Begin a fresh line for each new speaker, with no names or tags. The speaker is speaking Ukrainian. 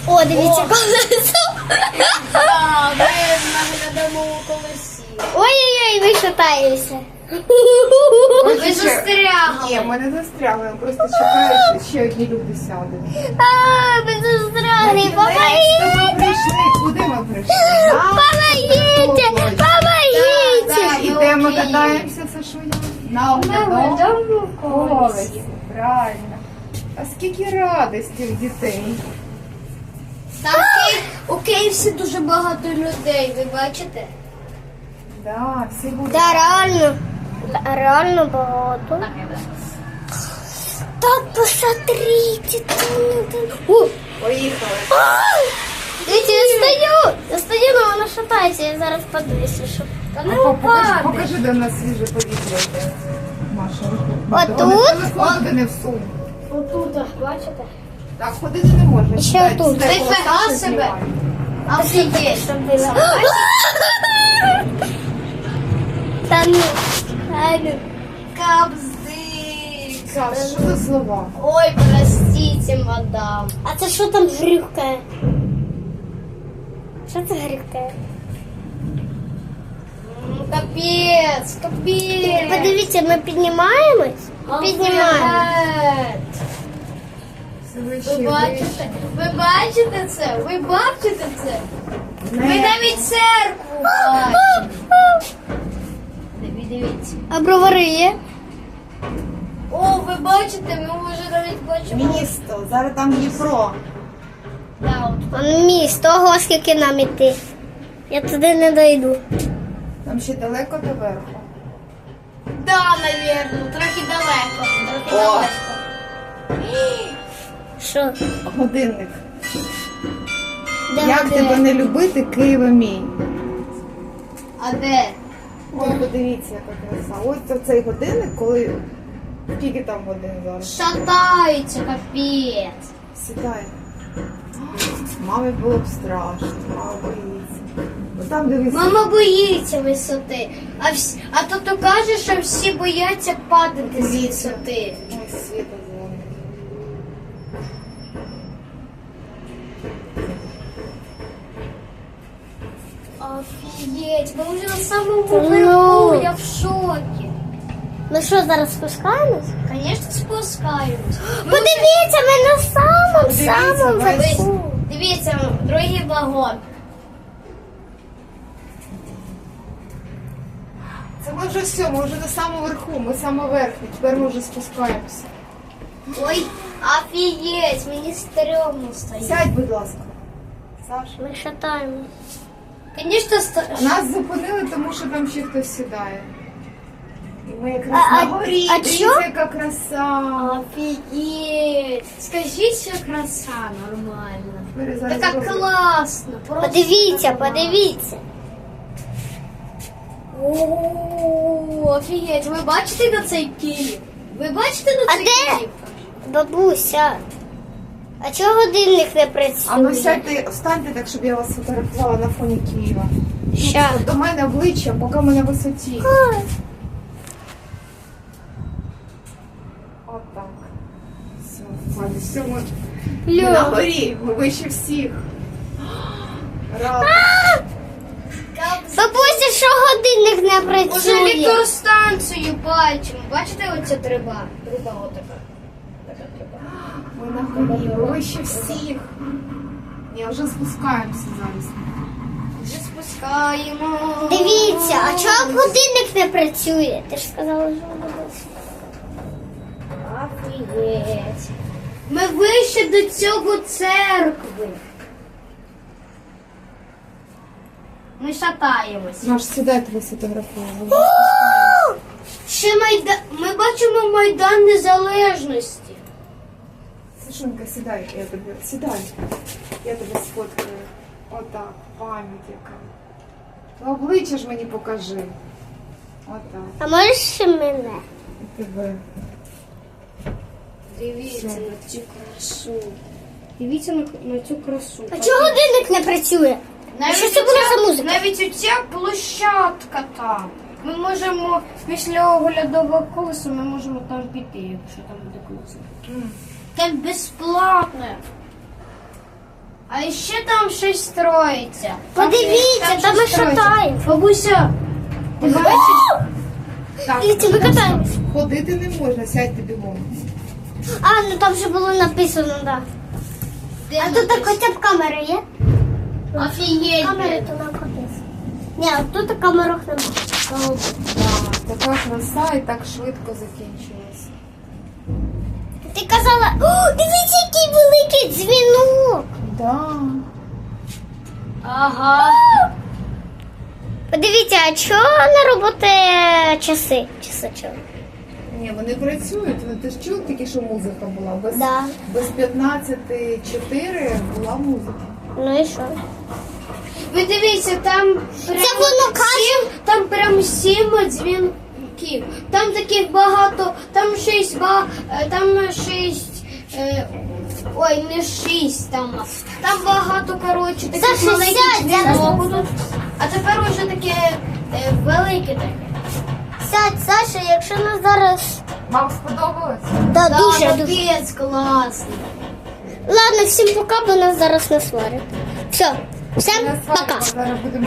О, дивіться, колесо.
Так, ми на глядовому колесі.
Ой-ой-ой, ви шатаєтеся.
Ви застрягли.
Ні, ми не застрягли, ми просто чекаємо, що ще одні люди сядуть.
Ви застрягли,
Ми
помогите.
прийшли, куди ми прийшли?
Помогите, помогите.
Ідемо, катаємося, це що я? На оглядовому колесі. Правильно. А скільки радості в дітей.
Там у Києві дуже багато людей, ви бачите?
Да, всі будуть.
Да, реально. Реально багато. Так, посмотрите. О,
Поїхали.
дивіться, я стою, але вона шатається, я зараз подивлюся, щоб... Та не
Покажи, де в нас свіже повітря йде. Маша.
Отут?
Телефон не всунь.
Отут, бачите?
Так, ходити не можна.
Ще
Сідай,
отут.
сідай,
Ти
коло
фіга
Саші
себе.
знімай.
Офігеть.
Щоб було. Та ну,
Капздик.
Саш, що за слова?
Ой, простите, мадам.
а це що там грюкає? Що це грюкає?
Капець, капець.
Подивіться, ми піднімаємось? Піднімаємось.
Ви бачите? Ви бачите це? Ви бачите це? Ви навіть церкву бачите. Дивіться.
А бровари є?
О, ви бачите, ми вже навіть бачимо.
Місто, зараз там Дніпро.
Да, от.
Он міст, ого, скільки нам іти. Я туди не дойду.
Там ще далеко до верху.
Да, навірно, трохи далеко. Трохи
О.
далеко.
Що?
Годинник.
Де
Як
де?
тебе не любити, Києва мій?
А де?
Ой, подивіться, яка краса. Ось це цей годинник, коли... Скільки там годин зараз?
Шатається, капець.
Сідай. Мамі було б страшно, мама боїться. Бо там дивись.
Мама боїться висоти. А тато каже, що всі бояться падати з висоти.
Ой, світло дзвонить.
Офігеть, ми вже на самому
Ну.
верху, я в шокі.
Ну що, зараз спускаємось?
Звісно, спускаємось.
Подивіться, ми на самому
Подивіться,
верху.
Дивіться, другий вагон.
Це ми вже все, ми вже на самому верху, ми саме верхні, тепер ми вже спускаємося.
Ой, офігеть, мені стрьомно стоїть.
Сядь, будь ласка. Саша.
Ми шатаємось.
Звісно,
Нас зупинили, тому що там ще хтось сідає. І ми якраз
А-
на горі,
а
дивіться,
чо?
яка краса.
Офігеть. Скажіть, що краса нормальна.
Бери, зараз
Така
зробимо.
класна. Просто
Подивіться,
така класна.
подивіться.
О, офігеть, ви бачите на цей Київ? Ви бачите на
А
цей
де?
Київ?
Бабуся, а чого годинник не працює?
А ну сядьте, встаньте так, щоб я вас фотографувала на фоні Києва.
Ща.
До мене обличчя, поки ми на висоті. Отак. Все, Валя, все, ми на горі, ми вище всіх. Рада.
Бабуся, що годинник не
Уже
працює?
електростанцію бачимо. Бачите оця труба? Труба отака. Така труба.
Ми на горі, ми вище всіх. Ні, вже спускаємося зараз.
Вже спускаємо.
Дивіться, а чого годинник не працює? Ти ж сказала, що бабуся.
Офігеть. Ми вище до цього церкви. Ми шатаємось.
Наш сідай тебе сфотографували.
Ще ми бачимо Майдан Незалежності.
Сашунька, сідай, я тебе, сідай. Я тебе сфоткаю. Отак, пам'ять яка. Ну, обличчя ж мені покажи. Отак.
А можеш ще мене?
І тебе.
Дивіться на цю красу. Дивіться на цю красу.
А чого годинник не працює? Що це була за музика?
Навіть оця площадка там. Ми можемо після оглядового колеса ми можемо там піти, якщо там буде колесо. Там безплатне. А А ще там щось строїться.
Подивіться, там ми
щось строїться.
шатаємось.
Бабуся, ти бачиш?
Так,
Дивіться, ми катаємось.
ходити не можна, сядьте бігом.
А, ну там вже було написано, так. Да. А тут так хоча б камера є?
Офігеть.
Камери то нам капець. Ні, а тут в камерах немає.
Так, така краса і так швидко закінчилась.
Ти казала, о, дивіться, який великий дзвінок.
Да.
Ага.
Подивіться, а чого не роботає часи? Часи чого?
Ні, вони працюють. Ти ж чув тільки, що музика була. Без,
Да.
без 15:04 була музика.
Ну і що?
Ви дивіться, там прям
Це воно каже.
там прям 7 дзвінків. Там таких багато, там 6, там 6, ой, не 6 там. Там багато, коротше, таких
Саша,
маленьких
сядь, зараз
дзвінок тут. А тепер уже таке велике таке.
Сядь, Саша, якщо нас зараз...
Вам сподобалось?
Да,
Да,
дуже.
капець, класний.
Ладно, всім пока, бо нас зараз не сварять. Все, всім
Я з вами
пока.
зараз будемо